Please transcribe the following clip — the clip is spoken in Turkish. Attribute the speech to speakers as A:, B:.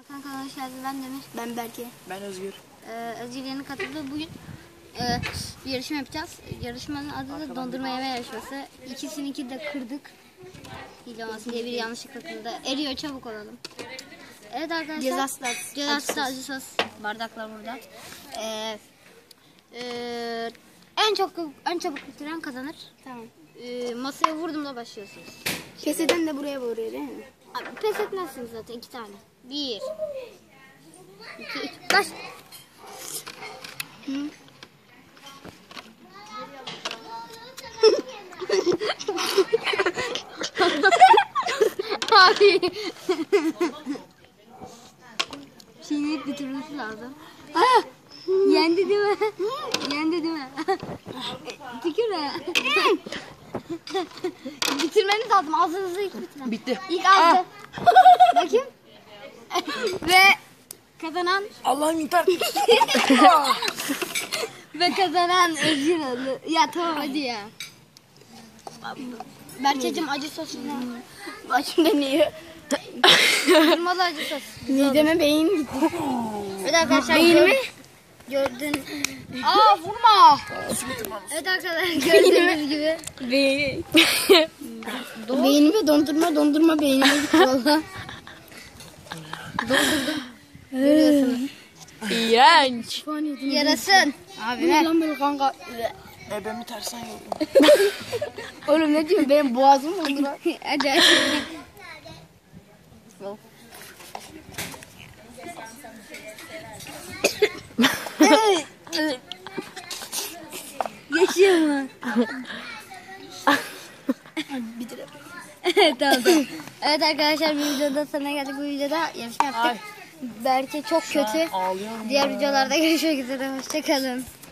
A: Kanka hoş geldin. Ben Demir.
B: Ben Berke.
C: Ben Özgür.
A: Özgür yeni katıldı. Bugün bir yarışma yapacağız. Yarışmanın adı da dondurma yeme yarışması. İkisininki de kırdık. Hile olmasın diye biri yanlışlıkla kırdı. Eriyor, çabuk olalım. Evet arkadaşlar. Cezası acı sos. Bardaklar burada. En çabuk bitiren kazanır.
B: Tamam.
A: Masaya vurduğumda başlıyorsunuz.
B: Pes eden de buraya vuruyor değil mi?
A: Abi, pes etmezsiniz zaten 2 tane. 1 2 3 baş. Abi. Çiğneyip bitirmesi lazım. Ah! Yendi değil mi? Yendi değil mi? Tükürme. Bitirmeniz lazım. Ağzınızı ilk bitirin.
C: Bitti.
A: İlk ağzı. Bakayım. Ve kazanan
C: Allah'ım yeter.
A: Özgür oldu. Ya tamam hadi ya. Berçeciğim acı sosunu.
B: Başım dönüyor.
A: Kırmalı acı sos.
B: Mideme beyin gitti.
A: Evet arkadaşlar.
B: Beynimi?
A: Gördün. Aa vurma. Evet arkadaşlar gördüğünüz gibi.
B: Beynime dondurma beynime gitti valla.
A: Doldurdum. Görüyorsunuz.
C: İğrenç.
A: Yarasın.
B: Abi ne lan böyle kanka?
C: Ben bir tersten yoldum.
B: Oğlum ne diyorsun? Benim boğazım oldu lan.
A: Hadi hadi. Yaşıyor mu?
B: Bitirelim.
A: Tamam. Evet arkadaşlar bir videoda sana geldik. Bu videoda yarışma yaptık. Berke çok kötü.
C: Ağlıyorum.
A: Diğer videolarda görüşmek üzere. Hoşçakalın.